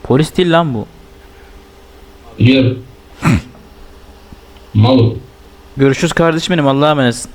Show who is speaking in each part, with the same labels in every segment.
Speaker 1: Polis değil lan bu.
Speaker 2: Biliyorum. Malum.
Speaker 1: Görüşürüz kardeşim benim. Allah'a emanetsin.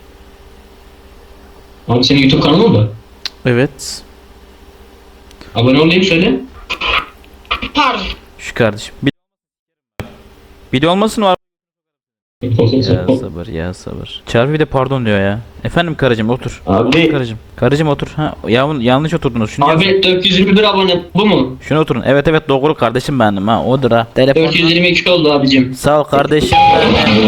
Speaker 2: Abi senin YouTube kanalın mı?
Speaker 1: Evet.
Speaker 2: Abone olayım söyle.
Speaker 3: Pardon.
Speaker 1: Şu kardeşim. Bir de olmasın var. Ya sabır ya sabır. Çarpı bir de pardon diyor ya. Efendim karıcığım otur.
Speaker 2: Abi.
Speaker 1: Karıcığım. Karıcığım otur. Ha yanlış oturdunuz. Şunu
Speaker 2: Abi 421 abone bu mu?
Speaker 1: Şuna oturun. Evet evet doğru kardeşim benim ha. Odur ha. Telefon.
Speaker 2: 422 oldu abicim.
Speaker 1: Sağ ol kardeşim benim.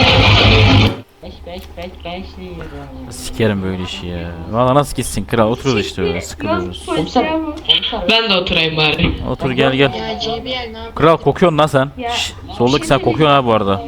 Speaker 1: Sikerim böyle işi ya. Valla nasıl gitsin kral, oturuyoruz işte öyle sıkılıyoruz.
Speaker 3: Ben de oturayım bari.
Speaker 1: Otur gel gel.
Speaker 3: Ya JBL ne yapıyorsun?
Speaker 1: Kral kokuyorsun lan sen. Şşş, soldaki sen kokuyorsun ha bu arada.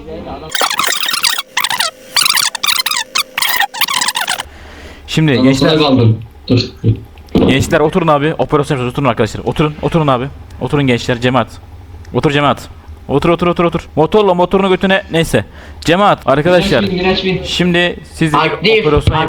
Speaker 1: Şimdi
Speaker 2: Gençler
Speaker 1: gençler
Speaker 2: kaldım. Dur.
Speaker 1: gençler oturun abi. Operasyon yapacağız. Oturun arkadaşlar. Oturun abi. Oturun gençler, cemaat. Otur cemaat. Otur. Motorunu götüne neyse. Cemaat arkadaşlar.
Speaker 2: Miraç bin.
Speaker 1: Şimdi siz
Speaker 2: Aktif.
Speaker 1: operasyon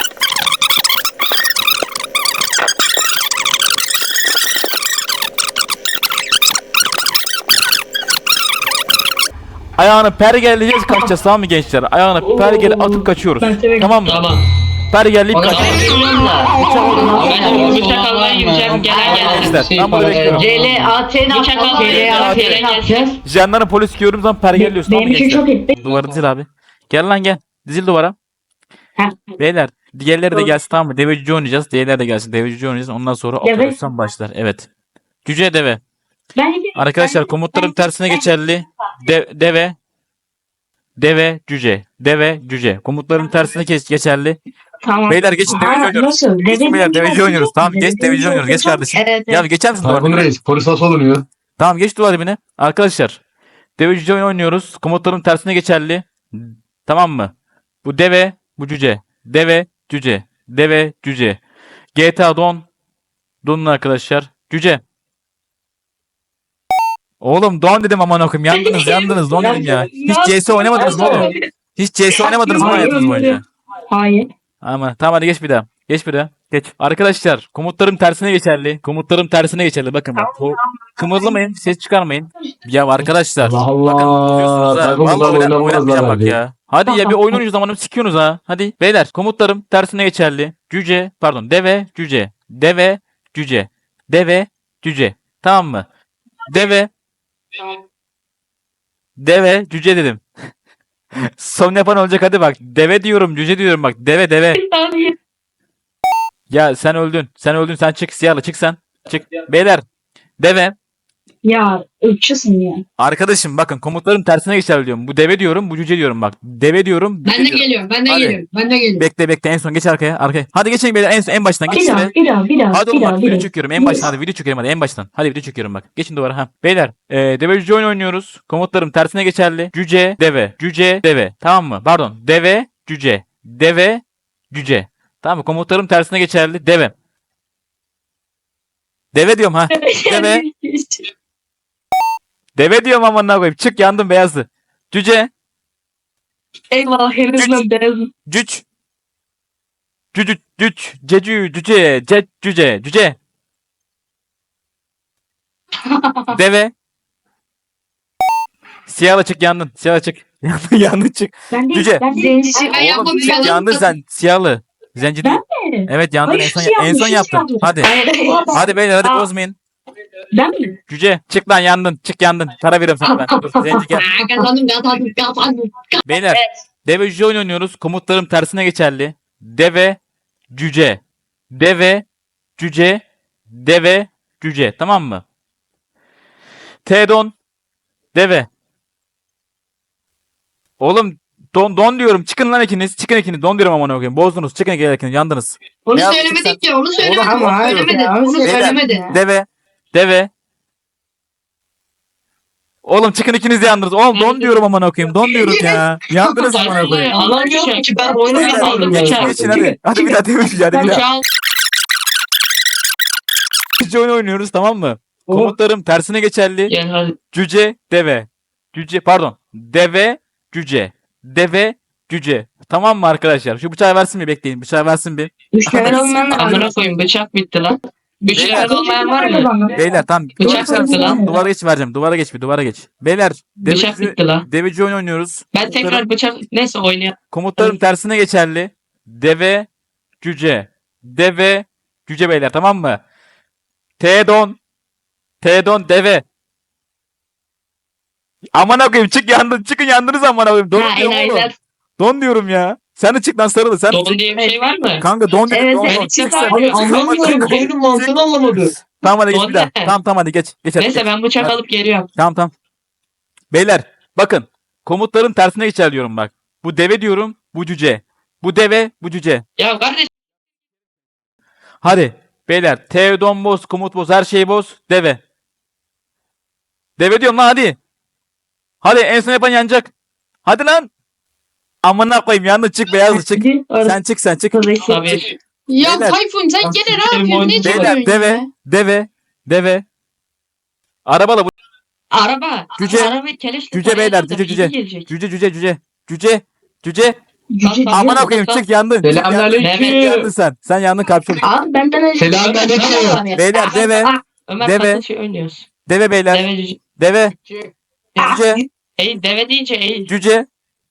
Speaker 1: ayağını pergeleyeceğiz, kaçacağız tamam mı gençler? Ayağını pergele atıp kaçıyoruz. Tamam mı?
Speaker 2: Tamam.
Speaker 1: Pergeleyip kaçıyoruz.
Speaker 3: Ben bıçak almaya gideceğim. Gelen
Speaker 1: Gençler
Speaker 3: gelsin.
Speaker 1: ben burada bekliyorum.
Speaker 4: CLAT ne
Speaker 3: Bıçak
Speaker 4: yapacağız?
Speaker 3: almaya
Speaker 4: CLAT ne yapacağız?
Speaker 1: Jandarma polis gördüğüm zaman pergeliyorsun tamam mı
Speaker 4: Benim için çok
Speaker 1: gençler?
Speaker 4: etti.
Speaker 1: Duvarı dizil abi. Gel lan gel. Dizil duvara.
Speaker 4: Ha.
Speaker 1: Beyler diğerleri de gelsin tamam mı? Devecici oynayacağız. Diğerleri de gelsin. Devecici oynayacağız. Ondan sonra
Speaker 4: Deve.
Speaker 1: operasyon başlar. Evet. Cüce deve.
Speaker 4: Ben
Speaker 1: Arkadaşlar komutlarım tersine geçerli. Deve cüce. Deve cüce. Komutların tersine geçerli.
Speaker 4: Tamam.
Speaker 1: Beyler geçin deveci oynuyoruz.
Speaker 4: Nasıl?
Speaker 1: Geçin beyler deveci oynuyoruz. Tamam geç deveci oynuyoruz. Geç kardeşim.
Speaker 4: Evet.
Speaker 1: Ya geçer misin duvar
Speaker 5: Harun
Speaker 1: dibine?
Speaker 5: Reis polis nasıl olunuyor?
Speaker 1: Tamam geç duvar dibine. Arkadaşlar deveci oynuyoruz. Komutların tersine geçerli. Tamam mı? Bu deve, bu cüce. Deve, cüce. Deve, cüce. GTA Don. Don'un arkadaşlar. Cüce. Oğlum Don dedim aman okuyayım. Yandınız Don dedim ya. Hiç CS oynamadınız mı oğlum? Hiç CS oynamadınız mı hayatınız boyunca?
Speaker 4: Hayır.
Speaker 1: Ama tamam hadi geç bir daha. Geç bir daha. Geç. Arkadaşlar komutlarım tersine geçerli. Komutlarım tersine geçerli. Bakın bak. Kımırlamayın. Ses çıkarmayın. Ya arkadaşlar.
Speaker 5: Allah
Speaker 1: Bakın
Speaker 5: Allah.
Speaker 1: diyorsunuz ha.
Speaker 5: Takımlar
Speaker 1: Vallahi
Speaker 5: oynamazlar
Speaker 1: oynatmayacağım bak
Speaker 5: hadi.
Speaker 1: ya. Hadi ya bir oyun oynuyoruz zamanım sikiyorsunuz ha. Hadi. Beyler komutlarım tersine geçerli. Cüce pardon deve cüce. Deve cüce. Deve cüce. Tamam mı? Deve cüce dedim. Son yapan olacak hadi bak. Deve diyorum cüce diyorum bak. Deve. Ya sen öldün. Sen çık siyahlı çık sen. Çık. Beyler. Deve.
Speaker 4: Ya ırkçısın ya.
Speaker 1: Arkadaşım bakın komutların tersine geçer diyorum. Bu deve diyorum, bu cüce diyorum bak. Deve diyorum.
Speaker 3: Ben de geliyorum.
Speaker 1: Hadi.
Speaker 3: Ben de geliyorum.
Speaker 1: Bekle en son geç arkaya. Hadi geçin beyler en baştan geç
Speaker 4: Bir daha,
Speaker 1: şöyle.
Speaker 4: bir daha.
Speaker 1: Hadi oğlum bak video
Speaker 4: bir daha.
Speaker 1: çekiyorum en baştan hadi video çekiyorum hadi en baştan. Hadi video çekiyorum bak. Geçin duvara ha. Beyler deve cüce oyun oynuyoruz. Komutlarım tersine geçerli. Cüce deve. Tamam mı? Pardon. Deve cüce. Tamam mı? Komutlarım tersine geçerli. Deve diyorum ha. Deve. Deve diyorum amına koyayım. Çık yandım beyazlı. Cüce.
Speaker 4: Eyvah henüz beyazım.
Speaker 1: Cüc. Cüce. Deve. Siyahla çık yandın. Siyahla çık. Yandın çık.
Speaker 4: Ben değil.
Speaker 1: Cüce.
Speaker 4: Ben değil.
Speaker 3: Zencisi ben
Speaker 1: Oğlum
Speaker 3: yapmadım.
Speaker 1: çık yandın sen. Siyahlı. Zenci değil.
Speaker 4: mi?
Speaker 1: Evet yandın
Speaker 4: Hayır,
Speaker 1: en son
Speaker 4: şey
Speaker 1: yaptın.
Speaker 4: yaptım.
Speaker 1: Hadi.
Speaker 4: Hayır.
Speaker 1: Hadi beyler hadi
Speaker 4: Aa.
Speaker 1: bozmayın.
Speaker 4: Ben mi?
Speaker 1: Cüce. Çık lan yandın. Çık yandın. Para veriyorum sana ben. Dur, Zenci gel.
Speaker 3: Kazandım.
Speaker 1: Beyler. Deve cüce oynuyoruz. Komutlarım tersine geçerli. Deve cüce. Deve cüce. Tamam mı? T-don. Deve. Oğlum don diyorum. Çıkın lan ikiniz. Don diyorum amına koyayım. Bozdunuz. Çıkın ikiniz. Yandınız.
Speaker 3: Onu
Speaker 1: Ya,
Speaker 3: söylemedik ki. Onu söylemedi.
Speaker 1: Oğlum,
Speaker 3: Onu söylemedi. Onu
Speaker 1: Beyler,
Speaker 3: söylemedi.
Speaker 1: Deve. Oğlum çıkın ikiniz de yandınız. Oğlum don diyorum amına koyayım. Don diyorum ya. Yandınız amına koyayım.
Speaker 3: Anlamıyorum ki ben oyunu
Speaker 1: Beyler,
Speaker 3: yapmadım.
Speaker 1: Geçin hadi. Hadi bir daha demiş hadi bir daha.
Speaker 3: Bıçağı
Speaker 1: Cüce oyunu oynuyoruz tamam mı? Komutlarım tersine geçerli.
Speaker 3: Gel hadi.
Speaker 1: Cüce deve. Deve cüce. Tamam mı arkadaşlar? Şu bıçağı versin bir bekleyin. Bıçağı versin bir.
Speaker 4: Müşteri olmayan
Speaker 3: Amına koyayım bıçak bitti lan. Bıçak olmayan var mı?
Speaker 1: Beyler tamam.
Speaker 3: Bıçak
Speaker 1: Duvara
Speaker 3: bitti lan.
Speaker 1: Duvara geç vereceğim. Duvara geç bir duvara geç. Beyler
Speaker 3: Bıçak bitti lan.
Speaker 1: deveci oyun oynuyoruz.
Speaker 3: Ben tekrar bıçak neyse oynayalım.
Speaker 1: Komutlarım tersine geçerli. Deve, cüce. Deve, cüce beyler tamam mı? T-don. T-don deve. Aman koyayım çık yandın. Çıkın yandınız aman koyayım. Don diyorum oğlum.
Speaker 4: Aynen.
Speaker 1: Don diyorum ya. Sen de çık lan sarılı. Sen de
Speaker 3: Don
Speaker 1: çık.
Speaker 3: diye bir şey var mı?
Speaker 1: Kanka don dedim
Speaker 4: Evet,
Speaker 1: don.
Speaker 4: evet,
Speaker 1: Don.
Speaker 3: çık
Speaker 1: Çık
Speaker 3: abi.
Speaker 1: sen.
Speaker 3: Abi,
Speaker 1: Çık,
Speaker 2: Anlamadım.
Speaker 1: çık.
Speaker 2: Oyunun mantığını anlamadım.
Speaker 1: Tamam hadi geç
Speaker 3: Don
Speaker 1: bir daha.
Speaker 3: ne?
Speaker 1: Tamam hadi geç. Geç hadi.
Speaker 3: Neyse ben bıçak
Speaker 1: Hadi.
Speaker 3: alıp geliyorum.
Speaker 1: Tamam. Beyler bakın. Komutların tersine geçer diyorum bak. Bu deve diyorum. Bu cüce. Bu deve. Bu cüce.
Speaker 3: Ya kardeş
Speaker 1: Hadi. Beyler. Teodon boz. Komut boz. Her şeyi boz. Deve. Deve diyorum lan hadi. Hadi en son yapan yanacak. Hadi lan. Amına koyayım yandı çık beyazlı çık. Sen çık sen çık.
Speaker 3: tabii.
Speaker 5: Ya
Speaker 1: Beyler.
Speaker 5: Tayfun sen gene ne
Speaker 2: Benim
Speaker 5: yapıyorsun? Ne
Speaker 2: oyunum-
Speaker 5: çalıyorsun
Speaker 1: Beyler deve.
Speaker 5: ya?
Speaker 1: Deve. Arabalı bu.
Speaker 3: Araba.
Speaker 1: Cüce.
Speaker 3: Arabayı keleşle
Speaker 1: Cüce beyler.
Speaker 3: tarayacağız da
Speaker 1: Cüce
Speaker 3: bilgi
Speaker 1: cüce.
Speaker 3: gelecek.
Speaker 1: Cüce.
Speaker 4: Cüce
Speaker 3: Tamam.
Speaker 1: Amına koyayım çık yandın. Çık, yandın.
Speaker 2: Selamünaleyküm.
Speaker 1: Yandın sen. Sen yandın kapşon.
Speaker 4: Abi benden önce
Speaker 2: Selamünaleyküm.
Speaker 1: Beyler deve.
Speaker 3: Ömer
Speaker 1: Deve.
Speaker 3: Deve. Şey oynuyoruz.
Speaker 1: Deve beyler.
Speaker 3: Deve cüce.
Speaker 1: Deve. Cüce.
Speaker 3: Eğil deve deyince eğil.
Speaker 1: Cüce.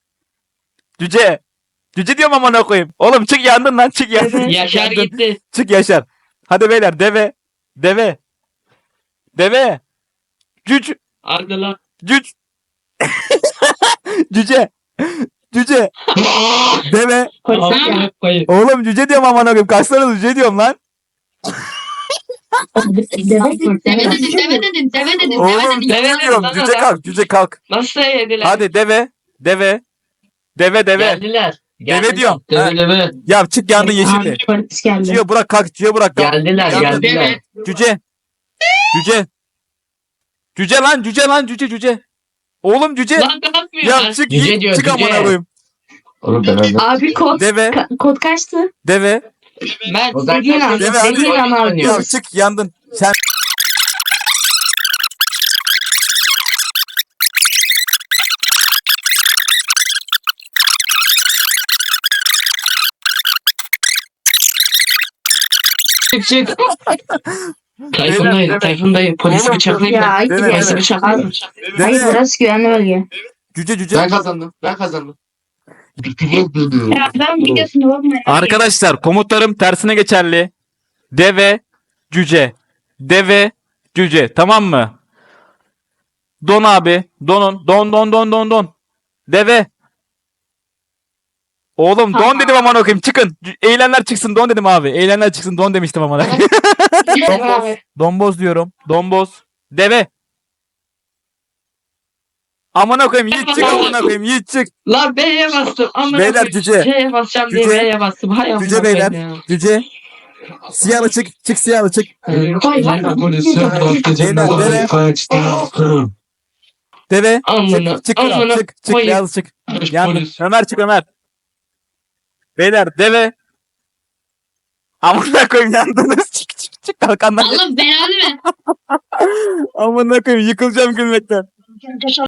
Speaker 1: Cüce diyorum amına koyayım. Oğlum çık yandın lan çık yandın.
Speaker 4: Evet.
Speaker 3: Yaşar
Speaker 1: Yandın.
Speaker 3: gitti.
Speaker 1: Çık Yaşar. Hadi beyler deve. Cüc.
Speaker 3: Hadi lan.
Speaker 1: Cüc. Cüce. Deve.
Speaker 4: polis ya.
Speaker 3: Amına koyayım.
Speaker 1: Oğlum cüce diyorum amına koyayım. Kaç tane cüce diyorum lan.
Speaker 5: Deve dedin.
Speaker 1: Oğlum cüce
Speaker 3: Deve
Speaker 1: diyorum.
Speaker 3: lan
Speaker 1: Cüce
Speaker 3: adam.
Speaker 1: kalk. Cüce kalk.
Speaker 3: Nasıl yediler?
Speaker 1: Hadi deve. Deve.
Speaker 2: Geldiler.
Speaker 1: Deve diyorum. Ha.
Speaker 2: Deve.
Speaker 1: Ya çık yandın yeşilli.
Speaker 4: Abi polis geldi.
Speaker 1: Ciyo bırak kalk. Ciyo bırak kalk.
Speaker 2: Geldiler.
Speaker 1: Yandın.
Speaker 2: Geldiler.
Speaker 1: Cüce. Cüce. Oğlum cüce.
Speaker 3: Lan ne yapıyor?
Speaker 1: Ya çık
Speaker 2: Cüce
Speaker 1: git.
Speaker 2: diyor,
Speaker 1: Çık
Speaker 2: cüce.
Speaker 1: amına koyayım.
Speaker 2: Oğlum ben
Speaker 4: Abi kod
Speaker 1: Deve.
Speaker 4: kod kaçtı?
Speaker 1: Deve.
Speaker 3: Ben
Speaker 2: O zaman
Speaker 4: Dediğin an.
Speaker 1: Deve hadi.
Speaker 4: Dediğin an
Speaker 1: Ya
Speaker 4: alıyoruz.
Speaker 1: çık yandın. Sen
Speaker 2: çık.
Speaker 3: Tayfun dayı. Tayfun dayı. Polisi
Speaker 4: Ya
Speaker 3: bıçaklayayım mı?
Speaker 4: hayır
Speaker 1: Deve,
Speaker 4: ya.
Speaker 3: Polisi
Speaker 1: deve.
Speaker 3: bıçaklayayım mı?
Speaker 4: Hayır
Speaker 1: deve.
Speaker 4: burası güvenli bölge.
Speaker 1: Cüce.
Speaker 2: Ben kazandım. Ben kazandım.
Speaker 4: Ya ben videosuna bakmayın.
Speaker 1: Arkadaşlar komutlarım tersine geçerli. Deve, cüce. Tamam mı? Don abi. Don. Deve. Oğlum don dedim aman okuyayım. Çıkın. Eğlenler çıksın don dedim abi. Eğlenler çıksın don demiştim aman. Donboz diyorum. Donboz. Deve. Amına koyayım Yiğit çık amına koyayım Yiğit çık.
Speaker 3: Lan B'ye bastım. Amına
Speaker 1: Beyler,
Speaker 3: koyayım.
Speaker 1: cüce.
Speaker 3: C'ye basacağım diye
Speaker 1: Cüce.
Speaker 3: B'ye bastım. Hay amına
Speaker 1: Cüce
Speaker 3: koyayım
Speaker 1: beyler.
Speaker 3: ya.
Speaker 1: Cüce. Siyahlı çık siyahlı çık. Deve.
Speaker 3: Amına,
Speaker 1: Çık kral
Speaker 3: amına
Speaker 1: çık
Speaker 3: koyayım.
Speaker 1: beyaz çık. Yandın. Ömer çık Ömer. Beyler deve. Amına koyayım yandınız. Çık kalkandan.
Speaker 5: Allah belanı ver.
Speaker 1: Amına koyayım yıkılacağım gülmekten.